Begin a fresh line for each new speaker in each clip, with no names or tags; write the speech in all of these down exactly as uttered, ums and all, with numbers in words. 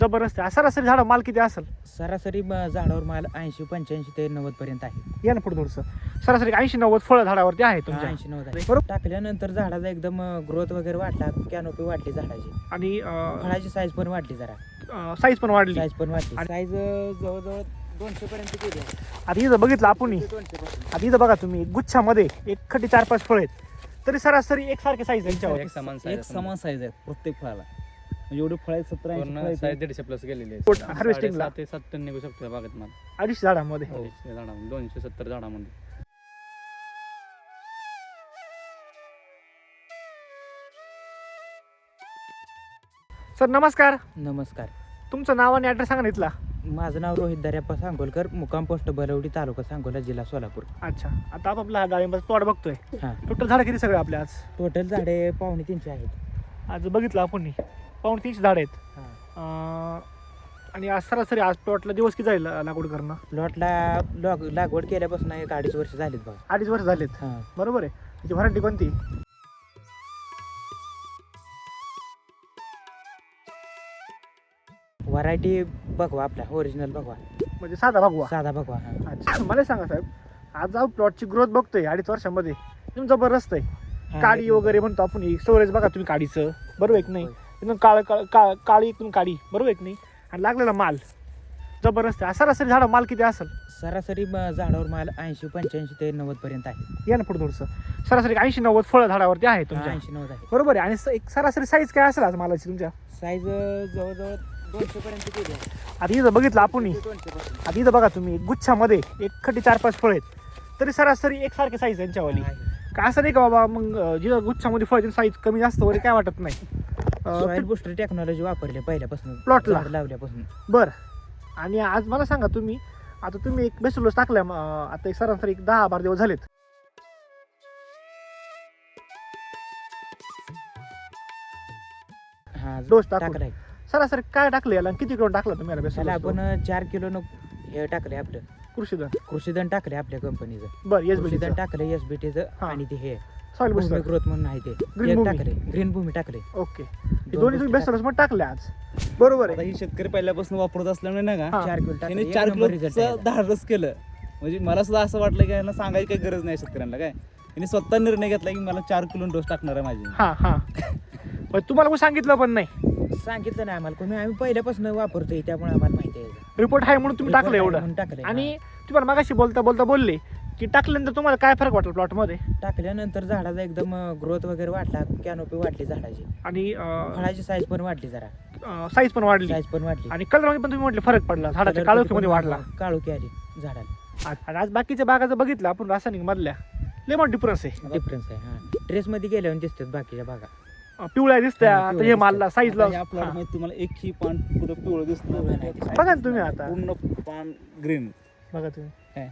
जबरदस्त आहे. सरासरी झाड माल किती असेल?
सरासरी ब- झाडावर माल ऐंशी पंच्याऐंशी ते नव्वद पर्यंत आहे.
या ना पुढे थोडंसं. सरासरी ऐंशी नव्वद फळं झाडावरती आहे तुमच्या.
ऐंशी नव्वद आहे.
बरोबर.
टाकल्यानंतर झाडाचा एकदम ग्रोथ वगैरे वाढला, कॅनोपी वाढली झाडाची,
आणि
फळाची साईज पण वाढली, जरा
साईज पण वाढली.
साईज पण वाढली.
आणि-
साईज जवळजवळ दोनशे पर्यंत गेली आहे.
आता इथं बघितलं आपण,
दोनशे पासून.
आता इथं बघा तुम्ही, गुच्छामध्ये एक खटी चार पाच फळ आहेत, तरी सरासरी एकसारखे साईज यांच्यावर.
एक समान
एक
साईज
समान साईज आहे प्रत्येक फळाला. म्हणजे एवढे फळ आहेत, सतरा ऐंशी फळं
पूर्ण
आहेत.
साईज दीडशे प्लस गेलेली
पोट-
आहे.
harvesting ला.
साडेसात ते सात टन निघू शकतो या बागेत माल.
अडीचशे झाडामध्ये.
अडीचशे झाडामध्ये दोनशे सत्तर झाडामध्ये.
सर नमस्कार,
नमस्कार.
तुमचं नाव आणि ॲड्रेस सांगा ना इथला.
माझं नाव रोहित दर्याप्पा सांगोलकर, मुक्काम पोस्ट बलवडी, तालुका सांगोला, जिल्हा सोलापूर.
अच्छा, आता आपण आपला हा डाळिंबाचा प्लॉट बघतोय.
हां.
टोटल झाडं किती सगळे आपले आज?
टोटल झाडे पावणे तीनशे आहेत.
आज बघितलं आपण पाऊण तीनशे झाड आहेत. अं, आणि आज सरासरी आज प्लॉटला दिवस किती जाईल लागवड करणं?
प्लॉटला लॉग लागवड केल्यापासून एक अडीच वर्ष झालीत बघा.
अडीच वर्ष झालेत.
हां.
बरोबर आहे. त्याची व्हरायटी कोणती?
व्हरायटी बघवा, आपला ओरिजिनल बघवा,
म्हणजे साधा भगवा.
साधा बघवा. हां.
अच्छा, मला सांगा साहेब, आज आपण प्लॉटची ग्रोथ बघतोय अडीच वर्षामध्ये, एकदम जबरदस्त आहे.
हां,
काळी
एकदम.
वगैरे म्हणतो आपण, स्टोरेज बघा तुम्ही काडीचं, बरोबर आहे की नाही?
होय.
एकदम काळ काळ काळ- काळी एकदम काळी, बरोबर आहे की नाही? आणि लागलेला माल जबरदस्त आहे. सरासरी झाडं माल किती असेल?
सरासरी ब- झाडावर माल ऐंशी पंच्याऐंशी ते नव्वद पर्यंत आहे.
या ना पुढे थोडंसं. सरासरी ऐंशी नव्वद फळं झाडावरती आहे तुमच्या.
ऐंशी नव्वद आहे.
बरोबर आहे. आणि स- एक सरासरी साईज काय असेल आज मालाची तुमच्या?
साईज जवळजवळ दोनशे पर्यंत गेली आहे.
आता इथं बघितलं आपण,
दोनशे पासून.
आता इथं बघा तुम्ही, गुच्छामध्ये एक खटी चार पाच फळ आहेत, तरी सरासरी एकसारखे साईज यांच्यावाली.
आहे.
का असं नाही का बाबा, मग अं, जिथं गुच्छामध्ये फळ साईज कमी जास्त वगैरे काय वाटत नाही.
सॉइल बुस्टर टेक्नॉलॉजी वापरली पहिल्यापासून,
प्लॉटला?
झाड लावल्यापासून.
बर. आणि आज मला सांगा तुम्ही, आता तुम्ही एक बेसुलोस टाकल्या, म, आता एक सरासरी एक दहा बारा दिवस झालेत.
हा,
डोस टाकून.
टाकलाय.
सरासरी काय टाकलं याला आणि किती किलो टाकला तुम्ही याला
त्याला
बेसुलोस?
आपण चार किलो न हे टाकले आपलं
कृषीधन.
कृषीधन टाकले आपल्या कंपनीचं.
बर. येस
कृषीधन
बिल
टाकले एस बी टीचं.
हा.
आणि ते हे
सॉइल
भूमी
बुस्टर.
ग्रोथ म्हणून आहे ते
Green
एक
भूमी.
टाकले, ग्रीन भूमी टाकले.
ओके. हे
दोन
दोन्ही तुम्ही
गोष्टी
बेसुलोस मध्ये टाकले आज, बरोबर
आता
आहे?
ही शेतकरी पहिल्यापासून वापरत असल्यामुळे ना का
हा.
चार किलो
त्याने
टाकले,
चार
एक नंबर result
किलोचं
आहे.
धाडस केलं. म्हणजे मला सुद्धा असं वाटलं की यांना सांगायची काही गरज नाही शेतकऱ्यांना. काय त्यांनी स्वतः निर्णय घेतला की मला चार किलो डोस टाकणार आहे माझी.
हा हा. पण तुम्हाला कोणी सांगितलं पण नाही?
सांगितलं नाही आम्हाला कोणी, आम्ही पहिल्यापासून वापरतोय त्यामुळे आम्हाला माहिती आहे.
रिपोर्ट आहे म्हणून तुम्ही टाकलं एवढं.
म्हणून टाकलंय.
आणि तुम्हाला मागाशी बोलता बोलता बोलले की टाकल्यानंतर तुम्हाला काय फरक वाटला प्लॉट मध्ये?
हा. टाकल्यानंतर झाडाचा एकदम ग्रोथ वगैरे वाढला, कॅनोपी वाढली झाडाची,
आणि
फळाची साईज पण वाढली, जरा
साईज पण वाढली,
साईज पण वाढली.
आणि कलर मध्ये पण तुम्ही म्हटले फरक पडला, झाडाच्या काळोखीमध्ये वाढला.
काळोखी आली झाडाला.
आणि आज बाकीच्या बागाचं बघितलं आपण रासायनिक मधल्या, लय मोठा डिफरन्स आहे.
डिफरन्स आहे. हा, ड्रेस मध्ये गेल्यावर दिसतात बाकीच्या बागा.
अं, पिवळ्या दिसत्या,
हा,
तर
पिवळ्या
हे मालला
आता
साईजला.
या प्लॉट मध्ये तुम्हाला एक ही पान पुढं पिवळं दिसतं.
पिवळं नाही दिसत.
बघा ना तुम्ही आता.
पूर्ण पान ग्रीन.
बघा तुम्ही.
काय?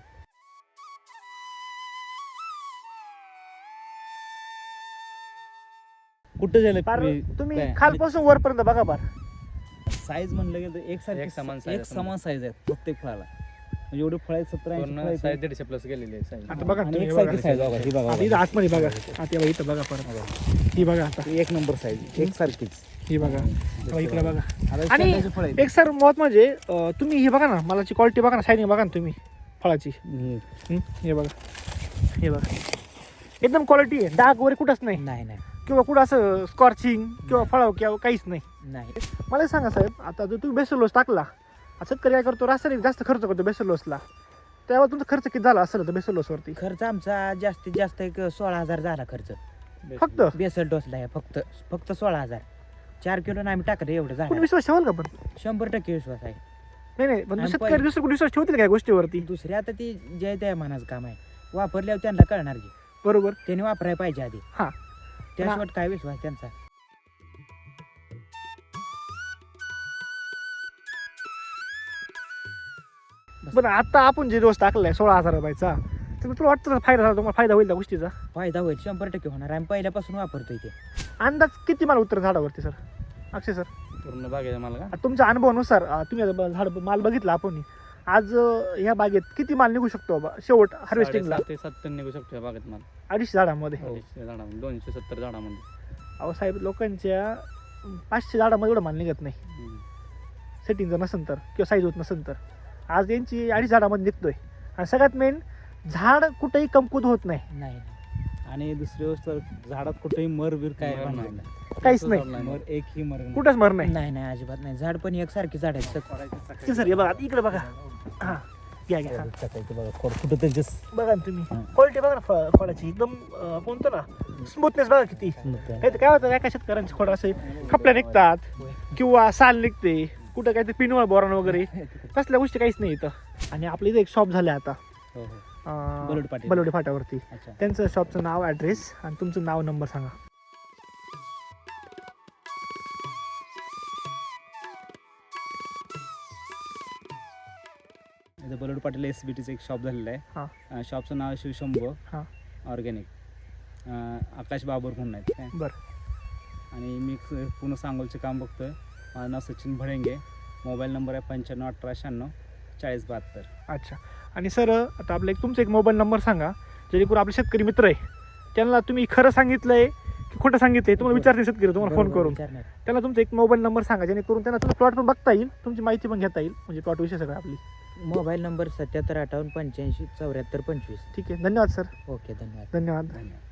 कुठं झालं
फार
हे?
तुम्ही
काय?
खालपासून वरपर्यंत बघा बार.
साईज म्हणलं गेलं तर एक सारखी
एक समान size
एक
आहे.
समान साईज आहे प्रत्येक फळाला. म्हणजे एवढे फळ आहेत, सतरा ऐंशी फळं
पूर्ण
आहेत.
साईज दीडशे प्लस गेलेली आहे साईज.
आता बघा
आणि
तुम्ही,
एक
बघा.
सारखी साईज बघा ही बघा
आता इथं
बघा.
आतमध्ये बघा. आता हे बघा, इथं बघा परत. ही बघा आता,
एक नंबर साईज एक सारखीच.
ही बघा. तेव्हा इकडे बघा.
आता
आणि
शेताची फळं आहेत.
एक सर महत्व म्हणजे अं, तुम्ही हे बघा ना, मालाची क्वालिटी बघा ना, शायनिंग बघा ना तुम्ही फळाची.
हम्म.
हं? हे बघा, हे बघा, एकदम क्वालिटी आहे. डाग वगैरे कुठंच नाही,
नाही नाही
किंवा कुठं असं स्कॉर्चिंग किंवा फळाव किंवा काहीच नाही.
नाही.
मला एक सांगा साहेब, आता जर तुम्ही बेसोलोस टाकला, शेतकरी काय करतो, रासायनिक जास्त खर्च करतो बेसोलोसला, तेव्हा तुमचा खर्च किती झाला असेल तर बेसोलोसवरती?
खर्च आमचा जास्तीत जास्त एक सोळा हजार झाला खर्च.
फक्त?
बेसल डोसला आहे फक्त फक्त सोळा हजार. चार किलो आम्ही टाकलं एवढं
कोणी
झालं.
विश्वास ठेवाल का? पण
शंभर टक्के विश्वास आहे.
नाही नाही, पण
आणि
शेतकरी
पहिले-
दुसरं कोणी विश्वास ठेवतील काय गोष्टीवरती?
दुसरी आता ती जय त्या मानाचं काम आहे. वापरल्यावर त्यांना कळणार की
बरोबर.
त्यांनी वापरायला पाहिजे आधी.
हा.
त्याशिवाय काय विश्वास त्यांचा.
पण आता आपण जे डोस टाकलाय सोळा हजार रुपयाचा, तर तुला वाटतं ना फायदा झाला, तुम्हाला फायदा होईल त्या गोष्टीचा?
फायदा होईल, शंभर टक्के होणार. आम्ही पहिल्यापासून वापरतोय ते.
अंदाज किती माल उतर झाडावरती सर? अक्षय सर,
पूर्ण बागेचा मला का
आता तुमच्या अनुभवानुसार, अं, तुम्ही आता ब- झाड माल बघितला आपण आज, अं, ह्या बागेत किती माल निघू शकतो बाबा शेवट हार्वेस्टिंगला?
साडेसात ते सात टन निघू शकतो या बागेत माल.
अडीचशे झाडामध्ये.
अडीचशे झाडामध्ये दोनशे सत्तर झाडामध्ये.
अहो साहेब, लोकांच्या पाचशे झाडामध्ये एवढा माल निघत नाही.
हम्म.
सेटिंग जर नसेल तर किंवा साईज होत नसेल तर आज यांची अडीच झाडामध्ये निघतोय आणि सगळ्यात मेन झाड कुठेही कमकुत होत नाही
नाही
आणि दुसरी गोष्ट झाडात कुठेही मर बीर काय
मर
पण
नाही.
नाही
काहीच नाही
मर एकही मर नाही.
कुठंच मर नाही
नाही नाही अजिबात नाही झाड पण एकसारखी झाड आहेत
ते सर हे बघा इकडे बघा हा घ्या घ्या हा.
बघा खोड कुठं त्यांच्या
बघा ना तुम्ही
हा.
क्वालिटी बघा ना फ- फळाची एकदम अं, कोणतं ना स्मूथनेस बघा किती नाही तर काय होतं एका शेतकऱ्यांचे खोड असे खपल्या निघतात किंवा साल निघते कुठं काय ते पिनवळ बोरान वगैरे तसल्या गोष्टी काहीच नाही इथं आणि आपल्या इथे एक शॉप झालं आता
हो हो
अं,
बलोडी पाटील.
बलोडी फाट्यावरती
अच्छा
त्यांचं शॉपचं नाव ॲड्रेस आणि तुमचं नाव नंबर सांगा
इथं बलोड पाटील एस बी टीचं एक शॉप झालेलं
हां.
आहे शॉपचं नाव आहे शिवशंभो
हां.
ऑर्गॅनिक आकाश बाबर म्हणून आहेत काय
बरं
आणि मी क- पूर्ण सांगोलचे काम बघतोय माझं नाव सचिन भडेंगे मोबाईल नंबर आहे पंच्याण्णव अठरा शहाण्णव चाळीस बहात्तर
अच्छा आणि सर आता आपलं एक तुमचा एक मोबाईल नंबर सांगा जेणेकरून आपले शेतकरी मित्र आहे त्यांना तुम्ही खरं सांगितलंय की खोटं सांगितलंय तुम्हाला विचारते शेतकरी तुम्हाला फोन करून त्यांना तुमचा एक मोबाईल नंबर सांगा जेणेकरून त्यांना तुमचा प्लॉट पण बघता येईल तुमची माहिती पण घेता येईल म्हणजे प्लॉट विषय सगळं आपली
मोबाईल नंबर सत्याहत्तर अठ्ठावन्न पंच्याऐंशी चौऱ्याहत्तर पंचवीस
ठीक आहे धन्यवाद सर
ओके धन्यवाद
धन्यवाद
धन्यवाद